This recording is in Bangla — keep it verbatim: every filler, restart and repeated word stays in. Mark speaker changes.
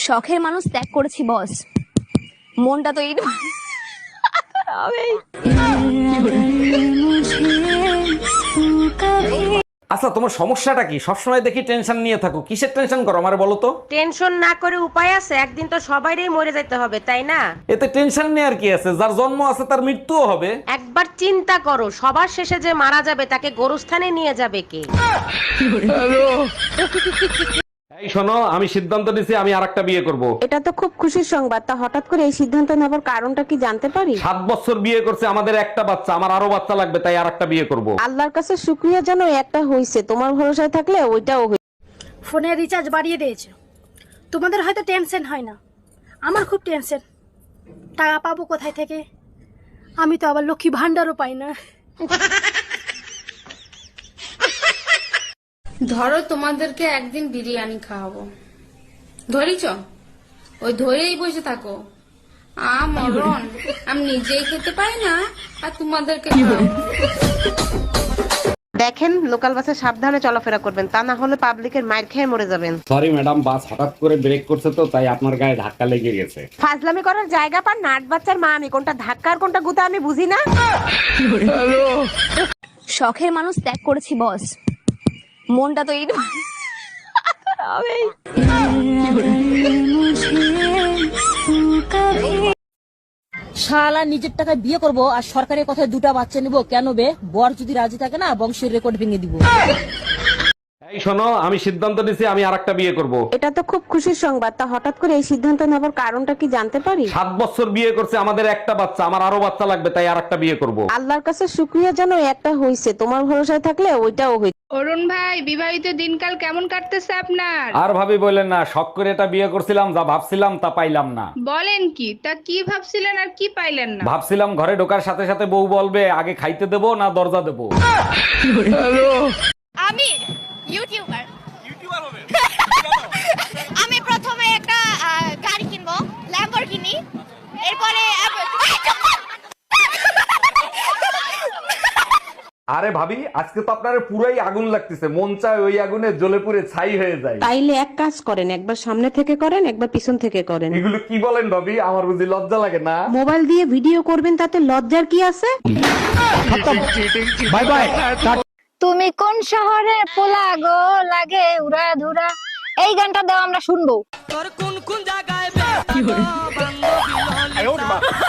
Speaker 1: শখের মানুষ ত্যাগ করেছি বস, মনটা তো এই
Speaker 2: আচ্ছা তোমার সমস্যাটা কি? সবসময় দেখি টেনশন নিয়ে থাকো, কিসের টেনশন করো আমারে বলো তো?
Speaker 3: টেনশন না করে উপায় আছে? একদিন তো সবাইরই মরে যেতে হবে, তাই না?
Speaker 2: এতে টেনশন নেওয়ার কি আছে? যার জন্ম আছে তার মৃত্যুও হবে।
Speaker 3: একবার চিন্তা করো, সবার শেষে যে মারা যাবে তাকে গোরস্থানে নিয়ে যাবে কে?
Speaker 2: এই শোনো, আমি সিদ্ধান্ত নিয়েছি আমি আরেকটা বিয়ে করব।
Speaker 4: এটা তো খুব খুশির সংবাদ। তা হঠাৎ করে এই সিদ্ধান্ত নেবার কারণটা কি জানতে পারি?
Speaker 2: সাত বছর বিয়ে করছে, আমাদের একটা বাচ্চা, আমার আরো বাচ্চা লাগবে, তাই আরেকটা বিয়ে করব।
Speaker 4: আল্লাহর কাছে শুকরিয়া জানো একটা হইছে, তোমার ভরসায় থাকলে ওইটাও হই।
Speaker 5: ফোনের রিচার্জ বাড়িয়ে দিয়েছে, তোমাদের হয়তো টেনশন হয় না, আমার খুব টেনশন। টাকা পাবো কোথায় থেকে? আমি তো আবার লক্ষ্মী ভান্ডারও পাই না।
Speaker 6: ধরো তোমাদেরকে একদিন বিরিয়ানি খাওয়াবো, ধরিছ? ওই ধরেই বসে থাকো। আ মরণ, আমি নিজেই খেতে পাই না আর তোমাদেরকে খাওয়াবো।
Speaker 4: দেখেন, লোকাল বাসে সাবধানে চলাফেরা করবেন, তা না হলে পাবলিকের মাইর খেয়ে মরে যাবেন।
Speaker 2: সরি ম্যাডাম, বাস হঠাৎ করে ব্রেক করছে তো তাই আপনার গায়ে ধাক্কা লেগে গেছে।
Speaker 4: ফাজলামি করার জায়গা পান নাট বাচ্চার মা আমি, কোনটা ধাক্কা আর কোনটা গুতা আমি বুঝি না।
Speaker 1: শখের মানুষ ত্যাগ করেছি বস, মনটা তো এই
Speaker 7: শালা নিজের টাকায় বিয়ে করব আর সরকারের কথায় দুটা বাচ্চা নিব কেন বে? বর যদি রাজি থাকে না বংশের রেকর্ড ভেঙে দিব।
Speaker 2: এই শোনো, আমি সিদ্ধান্ত নিয়েছি আমি আরেকটা বিয়ে করব।
Speaker 4: এটা তো খুব খুশির সংবাদ। তা হঠাৎ করে এই সিদ্ধান্ত নেবার কারণটা কি জানতে পারি?
Speaker 2: সাত বছর বিয়ে করছে, আমাদের একটা বাচ্চা, আমার আরো বাচ্চা লাগবে, তাই আরেকটা বিয়ে করব।
Speaker 4: আল্লাহর কাছে শুকরিয়া জানো একটা হইছে, তোমার ভরসায় থাকলে ওইটাও হই।
Speaker 6: অরুণ ভাই, বিবাহিত দিনকাল কেমন কাটতেছে আপনার?
Speaker 2: আর ভাবি বললেন না, শখ করে এটা বিয়ে করছিলাম, যা ভাবছিলাম তা পাইলাম না।
Speaker 6: বলেন কি? তা কি ভাবছিলেন আর কি পাইলেন না?
Speaker 2: ভাবছিলাম ঘরে ঢোকার সাথে সাথে বউ বলবে আগে খাইতে দেবো না দরজা দেবো।
Speaker 8: আমি ইউটিউবার ইউটিউবার হবে। আমি প্রথমে একটা আহ, গাড়ি কিনবো, ল্যাম্বরগিনি। এরপরে
Speaker 2: আরে ভাবি, আজকে তো আপনার পুরাই আগুন লাগতেছে, মন চায় ওই আগুনে জ্বলে পুড়ে ছাই হয়ে যায়।
Speaker 4: তাইলে এক কাজ করেন, একবার সামনে থেকে করেন, একবার পিছন থেকে করেন।
Speaker 2: এগুলো কি বলেন ভাবি? আমার বুঝি লজ্জা লাগে না?
Speaker 4: মোবাইল দিয়ে ভিডিও করবেন, তাতে লজ্জার কি আছে?
Speaker 2: Bye bye.
Speaker 8: তুমি কোন শহরে পোলা গো লাগে উড়া ধুরা, এই গানটা দাও আমরা শুনবো।
Speaker 7: তোর কোন কোন জায়গায়